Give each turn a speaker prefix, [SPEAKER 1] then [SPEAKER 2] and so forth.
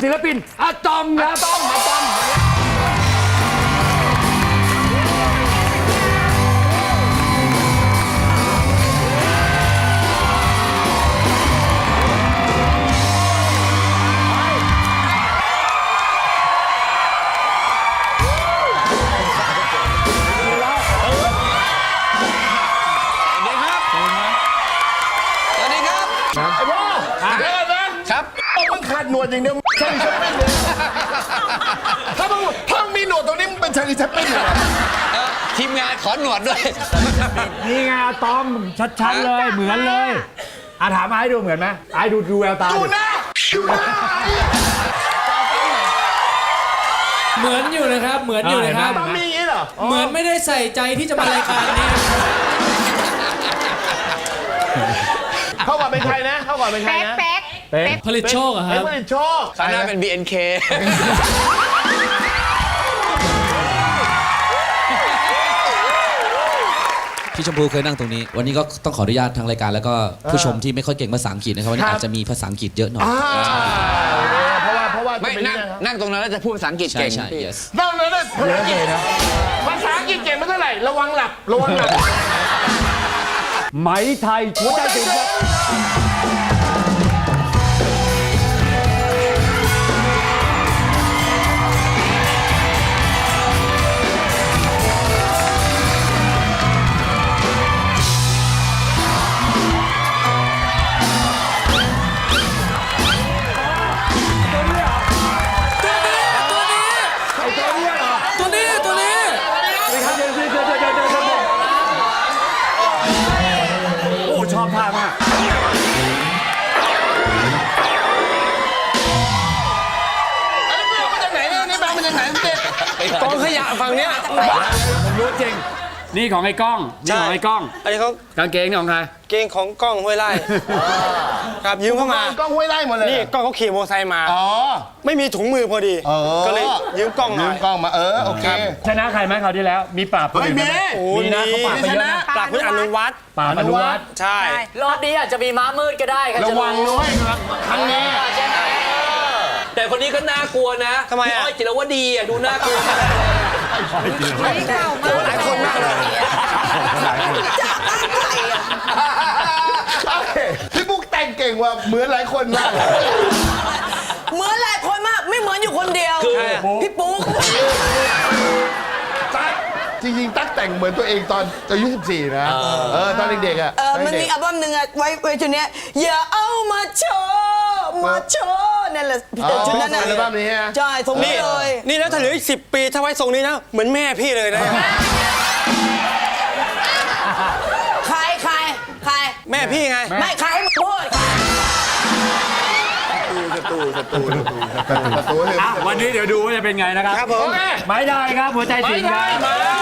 [SPEAKER 1] ศิลปินอะตอมครับอะตอม
[SPEAKER 2] ไอ้พ่อครับมึงขาดหนวดอย่างเดียวชาลีแชปปิ้นเลยถ้ามึงมีหนวดตรงนี้มึงเป็นชาลีแชปปิ้นเลย
[SPEAKER 3] ทีมงานขอหนวดด้วย
[SPEAKER 1] นี่ไงอะตอมชัดๆเลยเหมือนเลยถามไอ้ดูเหมือนไหมไอ้ดูแววตา
[SPEAKER 2] ดูหน้า
[SPEAKER 4] เหมือนอยู่นะครับเหมือนอยู่นะครับ
[SPEAKER 2] ต้องมีอย่างนี้เหรอ
[SPEAKER 4] เหมือนไม่ได้ใส่ใจที่จะมารายการนี้
[SPEAKER 2] เข้าก่อนเป็นใครนะเข้าก่อนเป็นใครนะ
[SPEAKER 1] เป๊ก
[SPEAKER 4] ผลิตโชคอะครับ
[SPEAKER 2] ผลิตโชค
[SPEAKER 3] คณะเป็น BNK
[SPEAKER 5] พี่ชมพูเคยนั่งตรงนี้วันนี้ก็ต้องขออนุญาตทางรายการแล้วก็ผู้ชมที่ไม่ค่อยเก่งภาษาอังกฤษนะครับวันนี้อาจจะมีภาษาอังกฤษเยอะหน่อย
[SPEAKER 2] เพราะว่า
[SPEAKER 3] ไม่นั่งตรงนั้นแล้วจะพูดภาษาอังกฤษเก่ง
[SPEAKER 5] ใช่ yes
[SPEAKER 2] นั่งเลยภาษาอังกฤษเก่งไม่เท่าไหร่ระวังหลับ
[SPEAKER 1] ไหมไทยหัวใจถึงครับชอบท่ามาก
[SPEAKER 2] มาจากไหนเนี่ยนี่แบงค์มาจากไหนเด็ก
[SPEAKER 3] กองขยะฝั่งเนี้ย
[SPEAKER 1] ผมรู้จริงนี่ของไอ้ก้องนี่ของไอ้ก้อง
[SPEAKER 6] อันนี้เขา
[SPEAKER 1] กางเกงนี่ของใคร
[SPEAKER 6] เกงของกล้องห้วยไร่ครับยืมเข้ามาก
[SPEAKER 2] ล้องห้วยไร่หมดเลย
[SPEAKER 6] นี่กล้องเขาขี่มอเตอร์ไซค์มาไม่มีถุงมือพอดีก็เลยยืมกล้อง
[SPEAKER 2] มาโอเค
[SPEAKER 1] ชนะใครไหมคราวที่แล้วมีปราบคนอื่นไหมมีนะเขาปราบไปเยอะนะ
[SPEAKER 6] ปราบคุณอนุวัฒน์
[SPEAKER 1] ปราบอนุวัฒน์
[SPEAKER 6] ใช่
[SPEAKER 7] รอบนี้อาจจะมีม้ามืดก็ได้
[SPEAKER 2] ระวังด้วยครั้งนี้
[SPEAKER 7] แต่คนนี้ก็น่ากลัวนะ
[SPEAKER 6] ทำไมอ่ะ
[SPEAKER 7] จิรวดีอ่ะดูน่ากลัว
[SPEAKER 6] หลายคนมากเลย
[SPEAKER 2] พี่บุ๊กแต่งเก่งว่าเหมือนหลายคนมาก
[SPEAKER 8] เหมือนหลายคนมากไม่เหมือนอยู่คนเดียวพี่ปุ๊ก
[SPEAKER 2] ตั๊กจริงๆตั๊กแต่งเหมือนตัวเองตอนอายุ14นะตอนเด็กๆอ่ะ
[SPEAKER 8] มันมีอัลบั้มหนึ่งอะไว้ชุดนี้อย่าเอามาโชว์นั่นแหละชุดนั้นนะ
[SPEAKER 2] อัลบั้มนี้ฮะ
[SPEAKER 8] ใช่ทรงนี้เลย
[SPEAKER 6] นี่แล้วถ้าเหลืออีก10 ปีถ้าไว้ทรงนี้นะเหมือนแม่พี่เลยนะ
[SPEAKER 8] ใคร
[SPEAKER 6] แม่พี่ไง
[SPEAKER 8] ไม่ใครให้มึงพูด
[SPEAKER 1] วันนี้เดี๋ยวดูว่าจะเป็นไงนะครับ
[SPEAKER 6] ครับผม
[SPEAKER 1] ไม่ได้ครับหัวใจถึงครับ